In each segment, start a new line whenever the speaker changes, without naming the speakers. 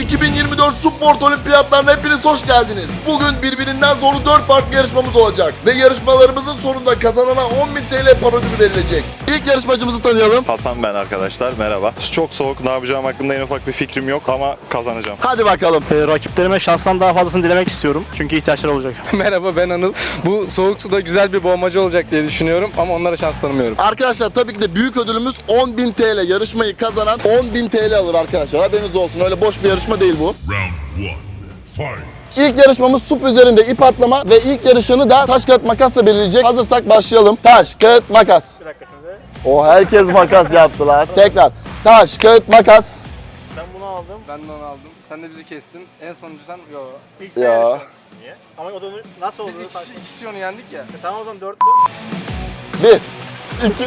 2024 Sport Olimpiyatlarına hepiniz hoş geldiniz. Bugün birbirinden zorlu 4 farklı yarışmamız olacak. Ve yarışmalarımızın sonunda kazanana 10.000 TL para ödülü verilecek. İlk yarışmacımızı tanıyalım.
Hasan ben arkadaşlar, merhaba. Çok soğuk, ne yapacağım hakkında en ufak bir fikrim yok ama kazanacağım.
Hadi bakalım.
Rakiplerime şanstan daha fazlasını dilemek istiyorum. Çünkü ihtiyaçları olacak.
Merhaba, ben Anıl. Bu soğuk suda güzel bir boğmaca olacak diye düşünüyorum ama onlara şans tanımıyorum.
Arkadaşlar tabii ki de büyük ödülümüz 10.000 TL. Yarışmayı kazanan 10.000 TL alır arkadaşlar. Haberiniz olsun. Öyle boş bir yarışma değil bu.
Round 1. Fight.
İlk yarışmamız sup üzerinde ip atlama ve ilk yarışını da taş kağıt makasla belirleyecek. Hazırsak başlayalım. Taş kağıt makas.
Bir dakika şimdi.
O herkes makas yaptılar. Tekrar. Taş kağıt makas.
Ben bunu aldım.
Ben de onu aldım. Sen de bizi kestin. En sonuncu sen... Yo.
İlk
Ya.
yarışma. Niye? Ama o da nasıl
Biz
oldu?
iki kişi onu yendik ya.
Tamam o zaman 4'lü.
1 2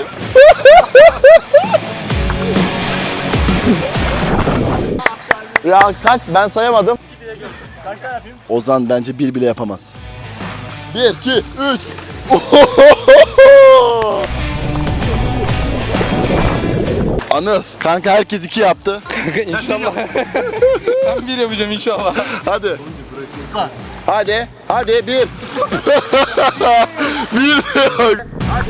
Ya kaç? Ben sayamadım.
Kaç tane yapayım?
Ozan bence bir bile yapamaz. 1 2 3 Anıl, kanka herkes 2 yaptı.
İnşallah. Ben bir yapacağım inşallah.
Hadi. Hadi. Hadi 1 1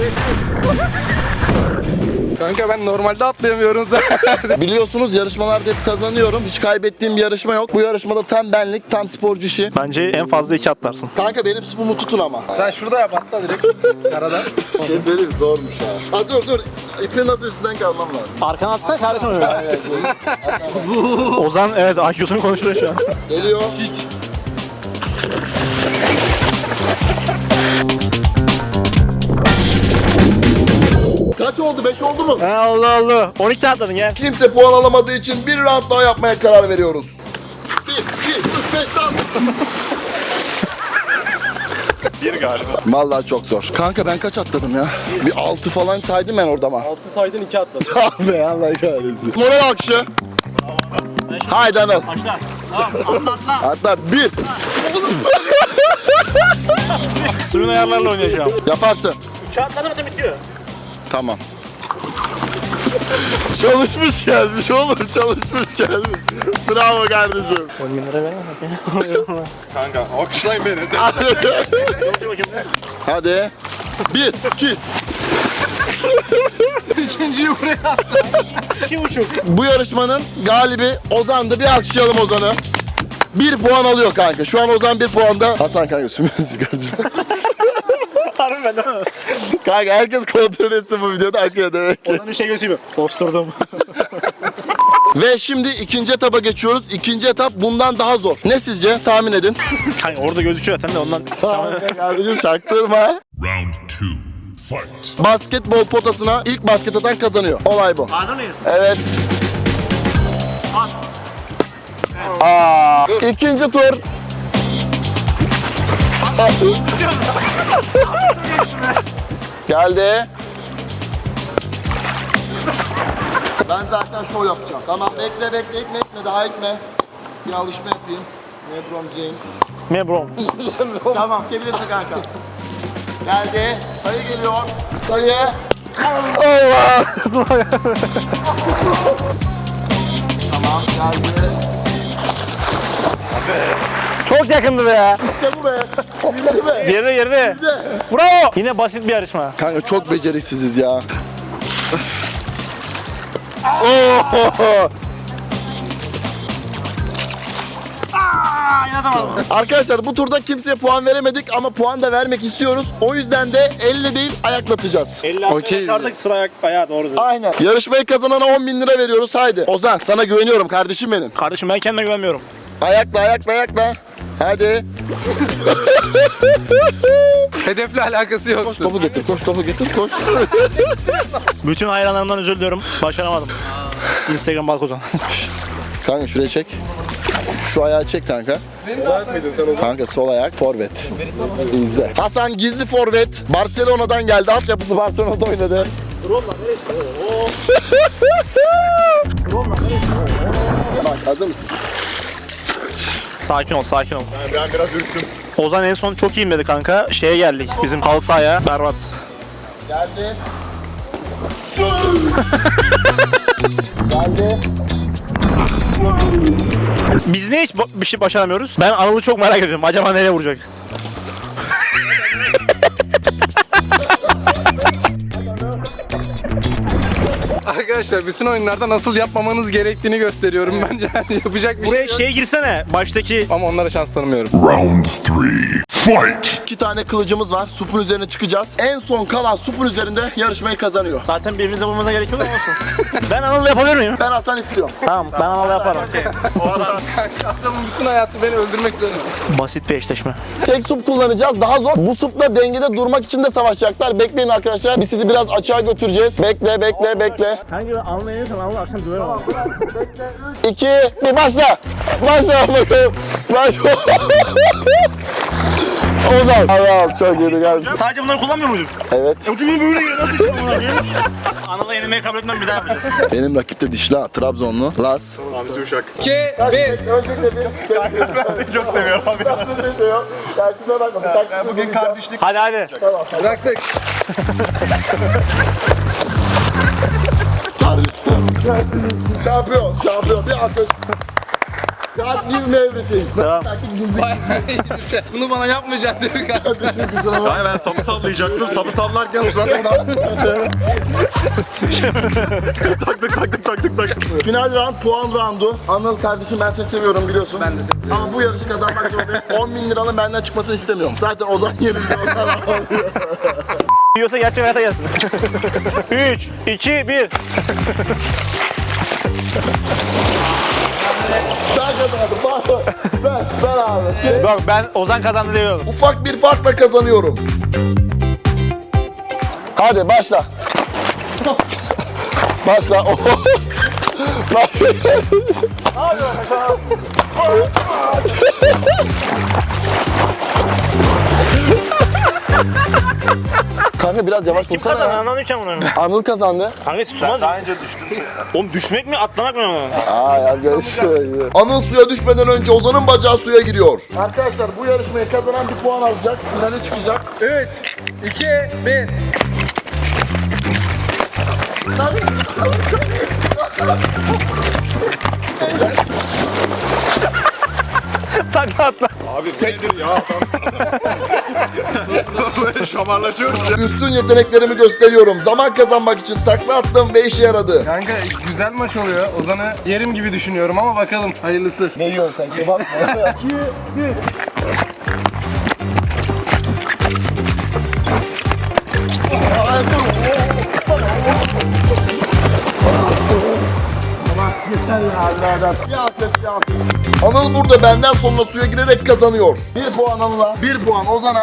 Kanka ben normalde atlayamıyorum zaten.
Biliyorsunuz yarışmalarda hep kazanıyorum. Hiç kaybettiğim bir yarışma yok. Bu yarışmada tam benlik, tam sporcu işi.
Bence en fazla 2 atlarsın.
Kanka benim sporumu tutun ama.
Sen şurada yap, atla direkt. Arada.
Bir şey söyleyeyim, zormuş ha. Ha dur. İpin nasıl üstünden kalmam lazım.
Arkana atsana kardeşim öyle. Ozan evet IQ'sunu konuşuyor şu an.
Geliyor. Kaç oldu? 5 oldu mu?
Allah Allah. 12 tane atladın gel.
Kimse puan alamadığı için bir round daha yapmaya karar veriyoruz. 1, 2, 3, 5, tamam.
Bir galiba.
Vallahi çok zor. Kanka ben kaç atladım ya? Bir 6 falan saydım ben orada ama.
6 saydın 2 atladın.
Abi Allah kahretsin. Moral alkışı. Haydi Anıl.
Başla. Atla.
Hatta 1.
Suyun ayarlarla oynayacağım.
Yaparsın.
2 atladı mı bitiyor.
Tamam. Çalışmış gelmiş oğlum, çalışmış gelmiş. Bravo kardeşim.
10.000 lira veremem.
Kanka alkışlayın beni.
Hadi. 1, 2.
Üçüncüyü buraya attım.
2,5.
Bu yarışmanın galibi Ozan'dı. Bir alkışlayalım Ozan'ı. 1 puan alıyor kanka. Şu an Ozan 1 puanda. Hasan kanka sümüğünüzü kardeşim.
Harbi ben değil mi?
Kanka herkes kontrol etsin bu videoda akıyor demek ki.
Oradan bir şey göstereyim mi? Osturdum.
Ve şimdi ikinci etapa geçiyoruz. İkinci etap bundan daha zor. Ne sizce? Tahmin edin.
Kanka orada gözüküyor zaten de ondan.
Tamam kardeşim çaktırma.
Round 2. Fight.
Basketbol potasına ilk basket atan kazanıyor. Olay bu.
Hazır mıyız?
Evet. İkinci tur. Geldi. Ben zaten şov yapacağım. Tamam bekle etme daha etme. Bir alışma yapayım. LeBron James.
Mebrom.
Tamam gelebilirsin kanka. Geldi. Sayı geliyor. Sayı. Allah. Tamam geldi.
Çok yakındı be ya.
İşte bu be. Bildi be.
Geride. Bravo. Yine basit bir yarışma.
Kanka çok beceriksiziz ya. Oh! Arkadaşlar bu turda kimseye puan veremedik ama puan da vermek istiyoruz. O yüzden de elle değil ayaklatacağız.
50
Okey.
arkadaşlardaki sıra ayak bayağı doğru.
Aynen. Yarışmayı kazanana 10.000 lira veriyoruz. Haydi. Ozan sana güveniyorum kardeşim benim.
Kardeşim ben kendime güvenmiyorum.
Ayakla. Hadi.
Hedefle alakası yok.
Koş topu getir. Koş.
Bütün hayranlarımdan özür diliyorum. Başaramadım. Instagram Balkozan.
Kanka şuraya çek. Şu ayağı çek kanka. Kanka sol ayak forvet. İzle. Hasan gizli forvet. Barcelona'dan geldi. Altyapısı Barcelona'da oynadı. Bak hazır mısın?
Sakin ol.
Ben biraz ürktüm.
Ozan en son çok iyiyim dedi kanka. Şeye geldik. Bizim halı sahaya. Berbat.
Geldi. Geldi.
Biz niye hiç bir şey başaramıyoruz? Ben Anıl'ı çok merak ediyorum. Acaba nereye vuracak?
Arkadaşlar bütün oyunlarda nasıl yapmamanız gerektiğini gösteriyorum ben, yani yapacak bir
Buraya
şey yok.
girsene. Baştaki
Ama onlara şans tanımıyorum.
Round 3. Fight!
2 tane kılıcımız var. Supun üzerine çıkacağız. En son kalan supun üzerinde yarışmayı kazanıyor.
zaten birbirimize vurmamıza gerek yok ama olsun. Ben Anıl'la yapabilir miyim?
Ben Hasan istiyorum.
Tamam, ben Anıl'la yaparım.
Adamın bütün hayatı beni öldürmek üzere.
Basit bir eşleşme.
Tek sup kullanacağız. Daha zor. Bu supla dengede durmak için de savaşacaklar. Bekleyin arkadaşlar. Biz sizi biraz açığa götüreceğiz. Bekle, bekle, bekle.
Hangi Anıl'la yenirsen Anıl'la akşam döverim ama.
2, 1, başla. Başla bakalım. Başla. Ozan. Allah çok iyi geldi.
Sadece bunları kullanmıyor muyduk?
Evet.
Ucunu böyle geliyor. Nasıl yapacağım bunları ya? Anıl'la yenilmeyi kabul etmem, bir daha yapacağız.
Benim rakip de dişli Trabzonlu. Las.
Hamsi Uşak.
2, 1.
Öncelikle bir
Ben seni çok seviyorum abi. Bugün kardeşlik.
Hadi hadi.
Bıraktık.
Şampiyon, şampiyon. Bir alkış. God give me everything.
Bunu bana yapmayacaksın değil mi kardeşim?
Hayır, ben sapı sallayacaktım. Sapı sallarken suratımdan. taktık.
Final round puan roundu. Anıl kardeşim ben seni seviyorum biliyorsun. Ben de seni seviyorum. Ama bu yarışı kazanmak zorundayım. 10 bin liranın benden çıkmasını istemiyorum. Zaten Ozan yerinde Ozan alıyor.
Yiyorsa gerçek hayata gelsin. 3, 2, 1.
Sen kazandın. Ben abi.
Bak ben Ozan kazandı diyorum.
Ufak bir farkla kazanıyorum. Hadi başla. Başla. Bak. Kanka biraz yavaş
Kim kazandı?
vursana.
Anlamadım ki bunu.
Anıl kazandı.
Kanka susmaz.
Daha önce düştün sen.
Oğlum düşmek mi atlamak mı?
Aa ya görüşürüz. Anıl suya düşmeden önce Ozan'ın bacağı suya giriyor. Arkadaşlar bu yarışmayı kazanan bir puan alacak. Finale çıkacak.
3, 2, 1.
Takla atla.
Abi nedir ya? Böyle şamarlaşıyoruz ya.
Üstün yeteneklerimi gösteriyorum. Zaman kazanmak için takla attım ve işe yaradı.
Kanka güzel maç oluyor. Ozan'ı yerim gibi düşünüyorum ama bakalım hayırlısı.
Ne yiyorsun sen? Kebap mı? Anıl burada benden sonra suya girerek kazanıyor. 1 puan Anıl'a, 1 puan Ozan'a.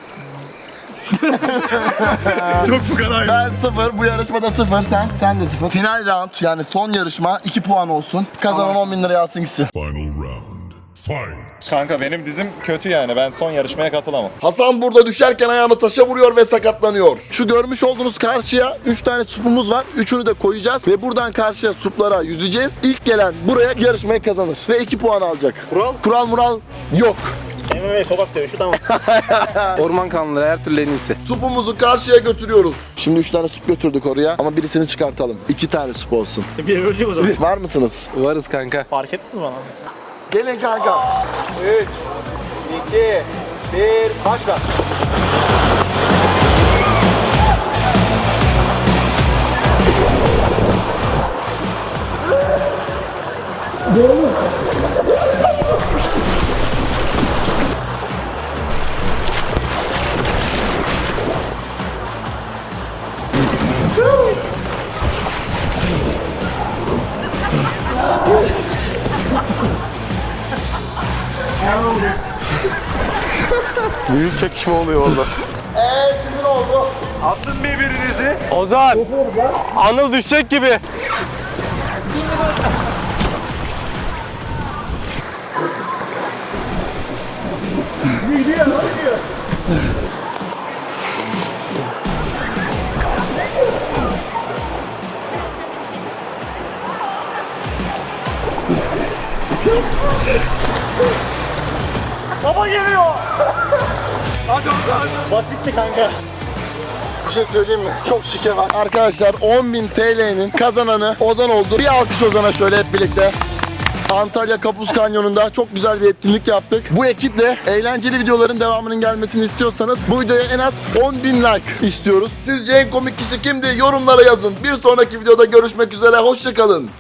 Çok bu kadar.
Ben 0, bu yarışmada 0, sen de 0. Final round yani son yarışma 2 puan olsun. Kazanan 10 bin liraya alsın gitsin.
Final round. Fight!
Kanka benim dizim kötü yani. Ben son yarışmaya katılamam.
Hasan burada düşerken ayağını taşa vuruyor ve sakatlanıyor. Şu görmüş olduğunuz karşıya 3 tane supumuz var. Üçünü de koyacağız ve buradan karşıya suplara yüzeceğiz. İlk gelen buraya yarışmayı kazanır ve 2 puan alacak.
Kural?
Kural mural yok.
MMA sokak dövüşü tamam.
Orman kanunları her türlü en iyisi.
Supumuzu karşıya götürüyoruz. Şimdi 3 tane sup götürdük oraya ama birisini çıkartalım. 2 tane sup olsun.
Bir ölecek o zaman.
Var mısınız?
Varız kanka.
Fark ettiniz bana.
Gelin kanka.
3, 2, 1, başla.
Büyük çekişme oluyor orada.
Şimdi ne oldu?
Attın birbirinizi.
Ozan. Anıl düşecek gibi. Baba geliyor.
Hadi Ozan.
Basitti kanka.
Bir şey söyleyeyim mi? Çok şike var. Arkadaşlar 10.000 TL'nin kazananı Ozan oldu. Bir alkış Ozan'a şöyle hep birlikte. Antalya Kapuz Kanyonu'nda çok güzel bir etkinlik yaptık. Bu ekiple eğlenceli videoların devamının gelmesini istiyorsanız bu videoya en az 10.000 like istiyoruz. Sizce en komik kişi kimdi? Yorumlara yazın. Bir sonraki videoda görüşmek üzere. Hoşçakalın.